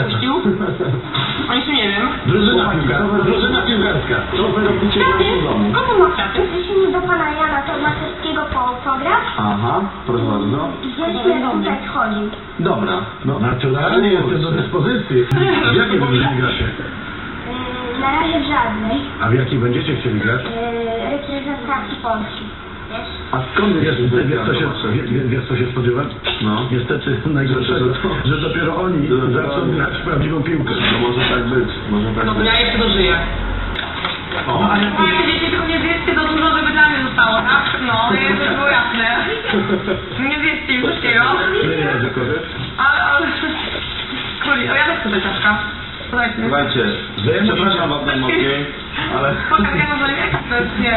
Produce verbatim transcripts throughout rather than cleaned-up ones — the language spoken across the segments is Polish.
puścił. O jeszcze nie wiem. Drużyna piłkarska. Drużyna piłkarska. Co wy robicie w domu? Skąd ma kwiaty? Jeśli do pana Jana Tomaszewskiego po program, Aha, proszę bardzo. gdzieś mnie tutaj chodził. Dobra. No, naturalnie jestem do dyspozycji. W jakiej drużynie gracie? Yy, na razie w żadnej. A w jakiej będziecie chcieli grać? Yy, reprezentacji Polski. Wiesz? A skąd wiesz, wiesz, wiesz, co się, wiesz, wiesz co się spodziewać? No. Niestety najgorszego, że dopiero oni zaczną grać w prawdziwą piłkę. No może tak być, może tak No być. ja jeszcze dożyję. O. Ale fajnie, dzieci, tylko nie zjedzcie za dużo, żeby dla mnie zostało, tak? No, żeby było jasne. Nie zjedzcie już wszystkiego. Nie, nie będzie korzystać. Ale, ale... Króli, o ja też chcę czaszka. Słuchajcie. Słuchajcie, przepraszam was najmocniej, ale... Pokaż, ja może nie, to jest nie,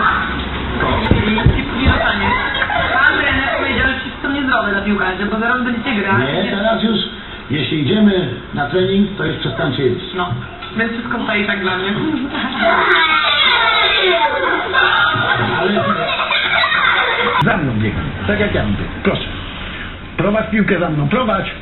nie dostanie. Pan trener powiedział, że wszyscy są niezdrowe dla piłkarzy, bo zaraz będziecie grać. Nie, teraz już, jeśli idziemy na trening, to już przestańcie jeść. No, więc wszystko stoi tak dla mnie. Ale... Za mną biegam, tak jak ja mówię. Proszę. Prowadź piłkę za mną, prowadź.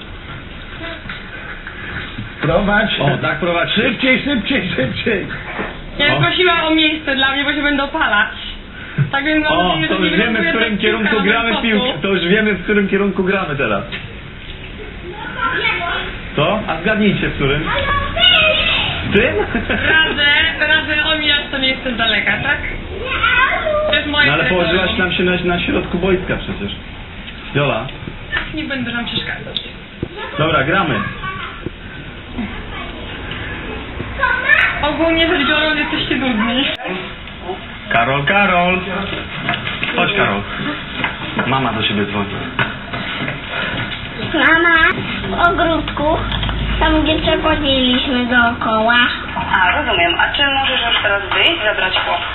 Prowadź. O, tak prowadź. Szybciej, szybciej, szybciej. Ja prosiła o miejsce dla mnie, bo się będę opalać. Tak więc mam O, nadzieję, to że już nie wiemy, w wyląduje którym ta kierunku piłka gramy na w piłkę. boku. To już wiemy, w którym kierunku gramy teraz. Co? A zgadnijcie, w którym? W tym? Radzę, radzę omijać to miejsce z daleka, tak? To jest moje No ale terytorium. położyłaś nam się na, na środku boiska przecież. Jola. Nie będę wam przeszkadzać. Dobra, gramy. Ogólnie rzecz biorąc, jesteście nudni. Karol, Karol. Chodź, Karol. Mama do siebie dzwoni. Mama, w ogródku, tam gdzie przechodziliśmy dookoła. A, rozumiem. A czy możesz już teraz wyjść, zabrać chłopca?